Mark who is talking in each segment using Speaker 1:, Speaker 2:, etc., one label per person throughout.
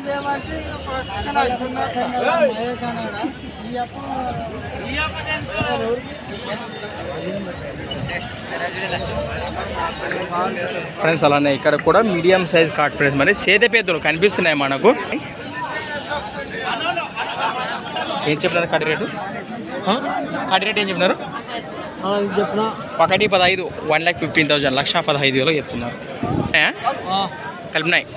Speaker 1: Friends అలానే ఇక్కడ కూడా మీడియం సైజ్ కార్డ్ ఫ్రెండ్స్ మరి సేదపేదలు కనిపిస్తున్నాయి మనకు. ఏం చెప్పినారు కడి రేటు? కడి రేటు ఏం చెప్పినారు?
Speaker 2: చెప్పిన
Speaker 1: 1,15,000 1,15,000 1,15,000 చెప్తున్నారు. కలిపినాయి.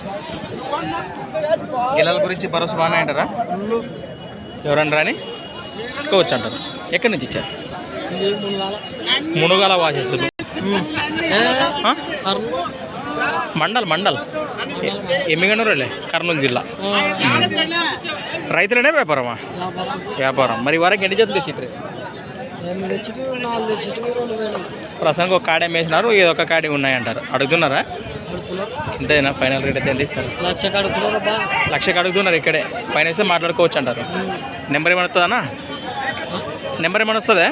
Speaker 1: గిల్లల గురించి భరోసా బాగానే అంటారా? ఎవరన్నా రాని కోవచ్చు అంటారు. ఎక్కడి నుంచి ఇచ్చారు? మునుగాల వాసేస్తారు. మండల్ ఎమ్మిగనూరులే, కర్నూలు జిల్లా. రైతులనే వ్యాపారమా? వ్యాపారం. మరి వరకు ఎన్ని జతలు తెచ్చిండ్రు? ప్రసంగం ఒక కాడే వేసినారు, ఏదో ఒక కాడే ఉన్నాయంటారు. అడుగుతున్నారా? ఇంతేనా? ఫైనల్ రేట్ అయితే ఎంత ఇస్తారు? 1,00,000 అడుగుతున్నారు. ఇక్కడే పైన వేస్తే మాట్లాడుకోవచ్చు అంటారు. నెంబర్ ఏమైనా వస్తుందన్నా? నెంబర్ ఏమైనా వస్తుందా?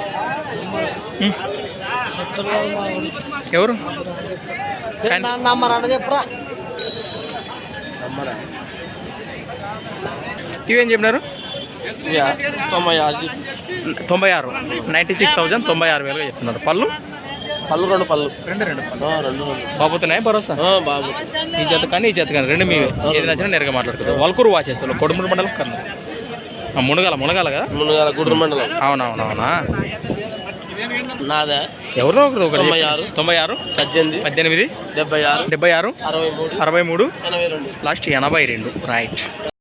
Speaker 1: ఎవరు
Speaker 2: చెప్పరా?
Speaker 1: ఇవేం చెప్పినారు?
Speaker 2: 96
Speaker 1: 96,000 96,000 చెప్తున్నారు. పళ్ళు
Speaker 2: రెండు పళ్ళు
Speaker 1: బాబుతున్నాయి భరోసా?
Speaker 2: బాబు
Speaker 1: ఈ జత కానీ ఈ జత కానీ రెండు మీవే. ఏది నచ్చినా నేరుగా మాట్లాడుతుంది. వల్కూరు వాచేస్తారు. కొడుమూరు మండలం కన్నా మునగాల కదా?
Speaker 2: మునగాల గుడ్రు మండలం.
Speaker 1: అవునవునవునా?
Speaker 2: నాదా?
Speaker 1: ఎవరో ఒకరు
Speaker 2: 96
Speaker 1: 18
Speaker 2: 76
Speaker 1: 76
Speaker 2: 63
Speaker 1: 63
Speaker 2: 82
Speaker 1: లాస్ట్ 82. రైట్.